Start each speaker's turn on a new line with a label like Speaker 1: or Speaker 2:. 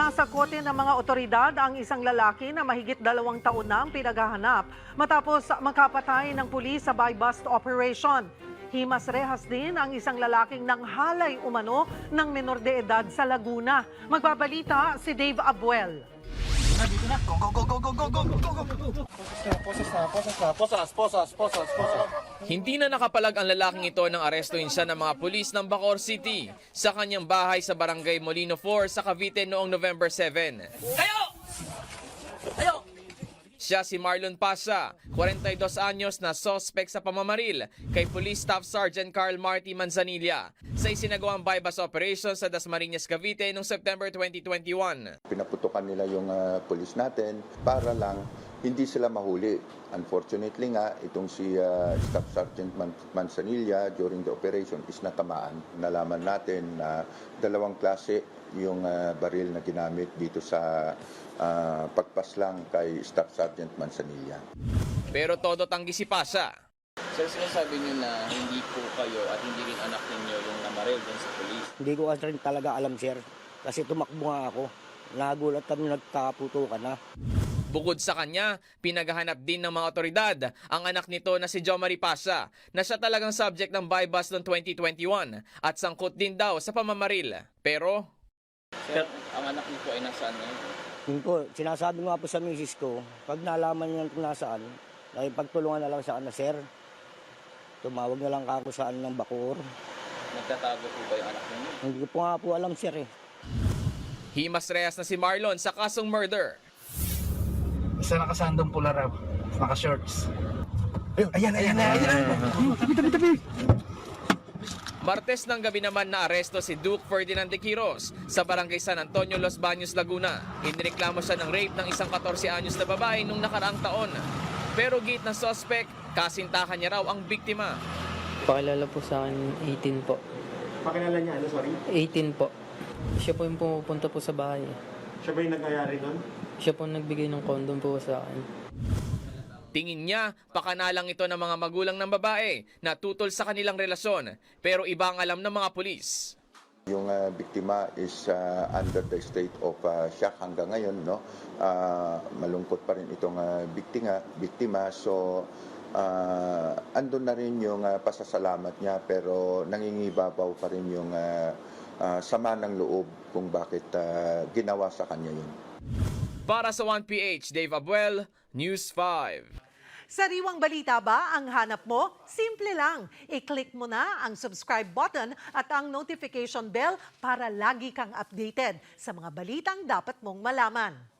Speaker 1: Nasa kote ng mga otoridad ang isang lalaki na mahigit 2 taon na ang pinaghahanap matapos makapatay ng pulis sa buy-bust operation. Himas rehas din ang isang lalaking nanghalay umano ng menor de edad sa Laguna. Magbabalita si Dave Abuel.
Speaker 2: Dito na. Go, go, go, go, go, go, go, go, go. Posas.
Speaker 3: Hindi na nakapalag ang lalaking ito nang arestuhin siya ng mga pulis ng Bacoor City sa kanyang bahay sa Barangay Molino 4 sa Cavite noong November 7.
Speaker 2: Ayo!
Speaker 3: Siya si Marlon Pasha, 42 anyos na suspect sa pamamaril kay Police Staff Sergeant Carl Marty Manzanilla sa isinagawang buy-bust operation sa Dasmariñas, Cavite noong September 2021.
Speaker 4: Pinaputukan nila yung pulis natin para lang hindi sila mahuli. Unfortunately nga, itong si Staff Sergeant Manzanilla during the operation is natamaan. Nalaman natin na dalawang klase yung baril na ginamit dito sa pagpaslang kay Staff Sergeant Manzanilla.
Speaker 3: Pero todo tanggi si Pasha.
Speaker 5: Sir, sinasabi niyo na hindi po kayo at hindi rin anak ninyo yung namaril din sa polis.
Speaker 6: Hindi ko kasi rin talaga alam, sir. Kasi tumakbo nga ako. Nagulat kami, nagkaputukan na.
Speaker 3: Bukod sa kanya, pinaghahanap din ng mga otoridad ang anak nito na si Jomari Pasha na siya talagang subject ng buy-bust noong 2021 at sangkot din daw sa pamamaril. Pero
Speaker 5: Sir, ang anak niyo po ay nasaan ngayon?
Speaker 6: Yun po, sinasabi nga po sa misis ko, pag nalaman niya kung nasaan, ay pagtulungan na lang sa na, sir. Tumawag na lang ako saan ng Bacoor.
Speaker 5: Nagtatago po ba yung anak ninyo?
Speaker 6: Hindi ko po nga po alam, sir eh.
Speaker 3: himas rehas na si Marlon sa kasong murder.
Speaker 2: Isa nakasandong pula raw. Naka-shorts. Ayan. Tabi.
Speaker 3: Martes ng gabi naman na aresto si Duke Ferdinand de Quiros sa Barangay San Antonio, Los Baños, Laguna. Inireklamo siya ng rape ng isang 14 anyos na babae nung nakaraang taon. Pero gate ng suspect, kasintahan niya raw ang biktima.
Speaker 7: Pakilala po sa akin, 18 po.
Speaker 8: Pakilala niya, sorry?
Speaker 7: 18 po. Siya po yung pumupunta po sa bahay.
Speaker 8: Siya ba yung nangyayari doon?
Speaker 7: Siya po nagbigay ng condom po sa akin.
Speaker 3: Tingin niya, pakanalang ito ng mga magulang ng babae na tutol sa kanilang relasyon. Pero iba ang alam ng mga pulis.
Speaker 4: Yung biktima is under the state of shock hanggang ngayon, no? Malungkot pa rin itong biktima. So andun na rin yung pasasalamat niya, pero nangingibabaw pa rin yung sama ng loob kung bakit ginawa sa kanya yun.
Speaker 3: Para sa 1PH, Dave Abuel, News 5.
Speaker 1: Sariwang balita ba ang hanap mo? Simple lang. I-click mo na ang subscribe button at ang notification bell para lagi kang updated sa mga balitang dapat mong malaman.